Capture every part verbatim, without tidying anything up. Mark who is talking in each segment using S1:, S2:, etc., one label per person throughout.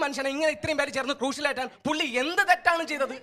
S1: മനുഷ്യനെ ഇങ്ങനെ ഇത്രയും പേര് ചേർന്ന് ക്രൂഷ്യലായിട്ടാണ് പുള്ളി എന്ത് തെറ്റാണ് ചെയ്തത്?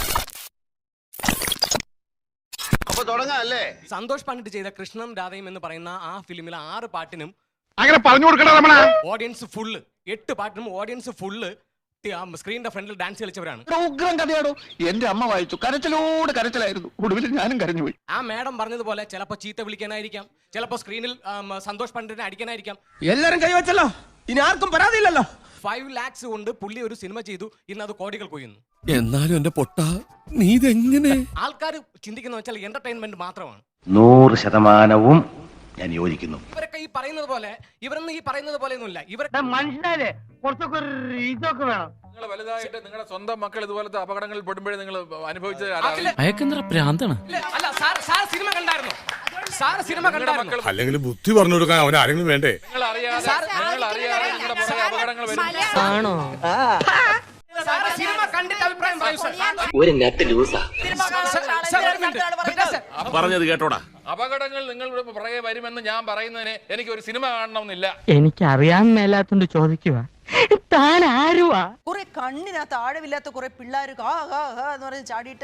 S2: അപ്പൊ തുടങ്ങാല്ലേ?
S1: സന്തോഷ് പണ്ഡിറ്റ് ചെയ്ത കൃഷ്ണനും രാധയും എന്ന് പറയുന്ന ആ ഫിലിമിലെ ആറ് പാട്ടിനും
S3: അങ്ങനെ പറഞ്ഞു കൊടുക്കണ രമണ.
S1: ഓഡിയൻസ് ഫുള്ള്, എട്ട് പാട്ടിനും ഓഡിയൻസ് ഫുള്ള് സ്ക്രീനിന്റെ ഫ്രണ്ടിൽ ഡാൻസ് കളിച്ചവരാണ്.
S4: ഉഗ്രം കഥയാടോ. എന്റെ അമ്മ വായിച്ചു, കരച്ചിലോട് കരച്ചിലായിരുന്നു. ഒടുവിൽ ഞാനും കരഞ്ഞുപോയി.
S1: ആ മാഡം പറഞ്ഞതുപോലെ ചിലപ്പോ ചീത്ത വിളിക്കാനായിരിക്കാം, ചിലപ്പോ സ്ക്രീനിൽ സന്തോഷ് പണ്ഡിറ്റിനെ അടിക്കാനായിരിക്കാം.
S5: എല്ലാരും കൈവച്ചല്ലോ, ഇനി ആർക്കും പരാതിയില്ലല്ലോ.
S1: ഫൈവ് ലാക്സ് കൊണ്ട് പുള്ളി ഒരു സിനിമ ചെയ്തു, ഇന്ന് അത് കോടികൾ കൊയ്യുന്നു.
S6: എന്നാലും എന്റെ പൊട്ട നീ ഇതെങ്ങനെ?
S1: ആൾക്കാർ ചിന്തിക്കുന്ന വെച്ചാൽ എന്റർടൈൻമെന്റ് മാത്രമാണ്.
S2: നൂറ് ശതമാനവും ഞാൻ യോജിക്കുന്നു.
S1: ഇവരൊക്കെ ഈ പറയുന്നത് പോലെ, ഇവരൊന്നും ഈ പറയുന്നത് പോലെ ഒന്നുമില്ല. ഇവരൊക്കെ
S7: മനുഷ്യനല്ലേ, കുറച്ചൊക്കെ ഒരു ഇതൊക്കെ വേണം.
S8: നിങ്ങൾ വലുതായിട്ട് നിങ്ങളുടെ സ്വന്തം മക്കൾ ഇതുപോലത്തെ അപകടങ്ങളിൽ പെടുമ്പോഴേ നിങ്ങൾ അനുഭവിച്ചത്
S6: അയക്കെന്തറ പ്രാന്താണ്.
S1: അല്ല സാർ, സാർ സിനിമ കണ്ടായിരുന്നു? സാർ സിനിമ കണ്ടായിരുന്നു?
S3: അല്ലെങ്കിൽ ബുദ്ധി പറഞ്ഞു കൊടുക്കാൻ അവൻ ആരെങ്കിലും വേണ്ടേ?
S8: നിങ്ങൾ അറിയാതെ നിങ്ങൾ അറിയാതെ നിങ്ങളുടെ പുറകെ അപകടങ്ങൾ വരും.
S7: ആണോ?
S1: സാർ സിനിമ കണ്ടിട്ട് അഭിപ്രായം പറയൂ സാർ.
S2: ഒരു നെറ്റ് ലൂസാ.
S1: സാർ, ഒരു മിനിറ്റ്.
S3: പറഞ്ഞത് കേട്ടോടാ.
S8: അപകടങ്ങൾ നിങ്ങളുടെ പുറകെ വരുമെന്ന് ഞാൻ പറയുന്നതിന് എനിക്ക് ഒരു സിനിമ കാണണമെന്നില്ല.
S7: എനിക്കറിയാൻ മേലാത്തോണ്ട് ചോദിക്കുക, താൻ ആരുവാ?
S9: കുറെ കണ്ണിനകത്ത് ആഴമില്ലാത്ത കുറെ പിള്ളേര് കാ കാ കാ എന്ന് പറഞ്ഞ് ചാടിയിട്ട്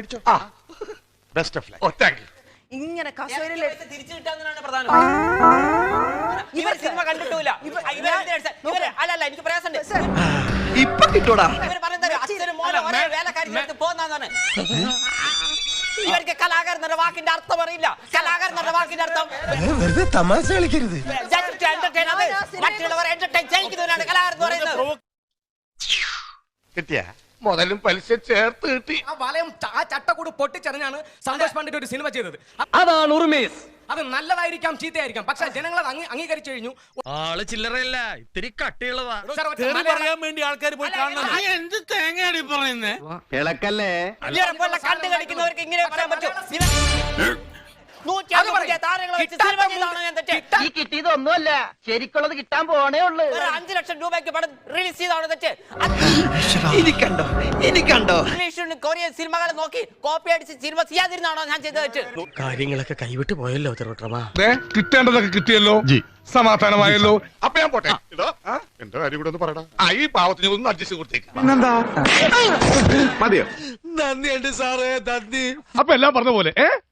S9: ഇങ്ങനെ കസേരയിൽ
S5: തിരിച്ചു കിട്ടാന്നാണ് പ്രധാനം. ഇവർ സിനിമ കണ്ടിട്ടില്ല. അല്ലല്ല, എനിക്ക് പ്രയാസമുണ്ട്.
S4: ഇപ്പൊ കിട്ടൂടാ.
S5: ഇവർ പറയുന്നത് അച്ഛനും മോനും ഒരേ വേലക്കാരി പോന്നാണ്. ഇവർക്ക് കലാകാരൻ എന്ന വാക്കിന്റെ അർത്ഥം അറിയില്ല. കലാകാരൻ എന്ന വാക്കിന്റെ അർത്ഥം
S4: വെറുതെ തമാശ കളിക്കരുത്.
S5: മറ്റുള്ളവർ എന്റർടൈൻ ചെയ്യിക്കുന്നവരാണ് കലാകാരൻ എന്ന് പറയുന്നത്.
S3: കിട്ടിയ മുതലും പലിശ ചേർത്ത് കിട്ടി.
S1: ആ വലയം, ആ ചട്ടക്കൂട് പൊട്ടിച്ചെറിഞ്ഞാണ് സന്തോഷ് പണ്ഡിറ്റ് ഒരു സിനിമ ചെയ്തത്.
S7: അതാണ് ഉറുമേസ്.
S1: അത് നല്ലതായിരിക്കാം, ചീത്തയായിരിക്കാം, പക്ഷെ ജനങ്ങൾ അത് അംഗീകരിച്ചു കഴിഞ്ഞു.
S6: ആള് ചില്ലറയല്ല, ഇത്തിരി കട്ടിയുള്ളതാ.
S1: സാർ, ഒറ്റ മലയാളം-
S6: വേണ്ടി ആൾക്കാർ പോയി കാണണം. എന്ത് തേങ്ങയാണ് പറയുന്നേ?
S2: ഇളക്കല്ലേ?
S5: ഇവരെപ്പോലുള്ള കണ്ടു കളിക്കുന്നവർക്ക് ഇങ്ങനെ പറയാൻ പറ്റും?
S7: ഈ കിട്ടിയതൊന്നുമല്ല, ശരിക്കുള്ളത് കിട്ടാൻ പോണേ ഉള്ളു.
S5: അഞ്ചു ലക്ഷം രൂപയ്ക്ക് പടം റിലീസ് ചെയ്താണ് തെറ്റ്.
S4: എനിക്കണ്ടോ എനിക്കണ്ടോ
S5: ഇംഗ്ലീഷ് കൊറിയൻ സിനിമകൾ നോക്കി കോപ്പി അടിച്ച് സിനിമ ചെയ്യാതിരുന്നാണോ ഞാൻ ചെയ്ത തെറ്റ്?
S6: കാര്യങ്ങളൊക്കെ കൈവിട്ട് പോയല്ലോ തിരുവട്ടമാ.
S3: കിട്ടേണ്ടതൊക്കെ കിട്ടിയല്ലോ, സമാധാനമായല്ലോ. അപ്പൊ ഞാൻ പോട്ടെ. എന്റെ കാര്യം കൂടെ ഒന്ന് പറയടാ. ആ ഈ പാവത്തിന് ഒന്ന് അഡ്ജസ്റ്റ് കൊടുത്തേക്ക്. പിന്നെന്താ മതിയോ?
S6: നന്ദിയുണ്ട് സാറേ, നന്ദി.
S3: അപ്പൊ എല്ലാം പറഞ്ഞ പോലെ ഏ